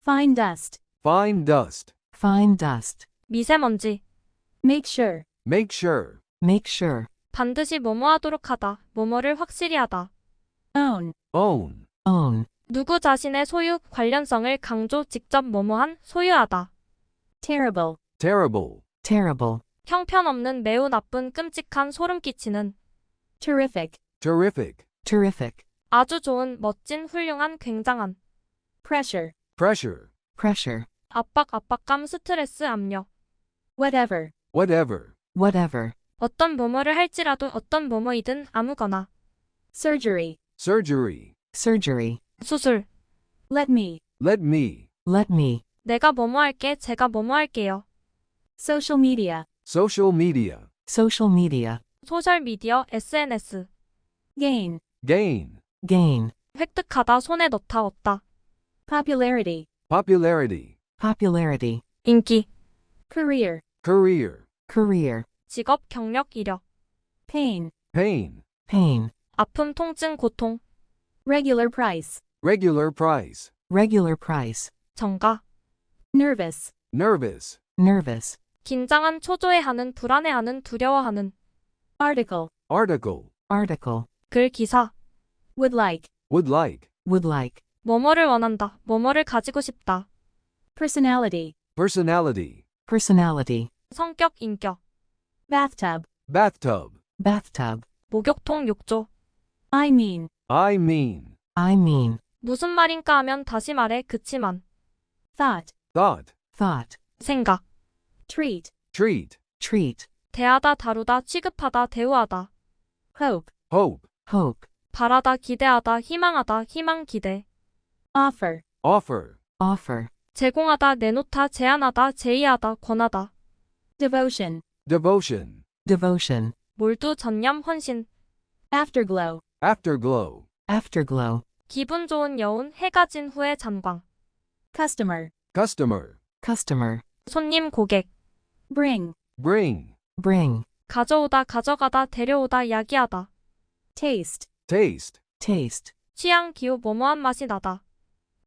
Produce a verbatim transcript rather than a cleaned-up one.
Fine dust. Fine dust. Fine dust. 미세먼지. Make sure. Make sure. Make sure. 반드시 뭐뭐하도록 하다. 뭐뭐를 확실히 하다. Own. Own. Own. 누구 자신의 소유, 관련성을 강조, 직접 뭐뭐한, 소유하다. Terrible. Terrible. Terrible. 형편없는, 매우 나쁜, 끔찍한, 소름 끼치는. Terrific. Terrific. Terrific. 아주 좋은, 멋진, 훌륭한, 굉장한. Pressure. Pressure. Pressure. 압박, 압박감, 스트레스, 압력. Whatever. Whatever. Whatever. 어떤 뭐뭐를 할지라도 어떤 뭐뭐이든 아무거나. Surgery. Surgery. Surgery. 수술. Let me. Let me. Let me. 내가 뭐뭐 할게, 제가 뭐뭐 할게요. Social media. Social media. Social media. 소셜미디어, 에스엔에스. Gain. Gain. Gain. 획득하다, 손에 넣다, 얻다. Popularity. Popularity. Popularity. 인기. Career. Career. Career. 직업, 경력, 이력. Pain. Pain. Pain. 아픔, 통증, 고통. Regular price. Regular price. Regular price. 정가. Nervous. Nervous. Nervous. 긴장한, 초조해하는, 불안해하는, 두려워하는. Article. Article. Article. 글, 기사. Would like. Would like. Would like. 뭐뭐를 원한다, 뭐뭐를 가지고 싶다. Personality. Personality. Personality. 성격, 인격. Bathtub. Bathtub. Bathtub. 목욕통, 욕조. I mean. I mean. I mean. 무슨 말인가 하면 다시 말해, 그치만. Thought. Thought. Thought. 생각. Treat. Treat. Treat. 대하다, 다루다, 취급하다, 대우하다. Hope. Hope. Hope. 바라다, 기대하다, 희망하다, 희망, 기대. Offer. Offer. Offer. 제공하다, 내놓다, 제안하다, 제의하다, 권하다. Devotion. Devotion. Devotion. 몰두, 전념, 헌신. Afterglow. Afterglow. Afterglow. 기분 좋은 여운, 해가 진 후의 잔광. Customer. Customer. Customer. 손님, 고객. Bring. Bring. Bring. 가져오다, 가져가다, 데려오다, 야기하다. Taste. Taste. Taste. 취향, 기호, 뭐뭐한 맛이 나다.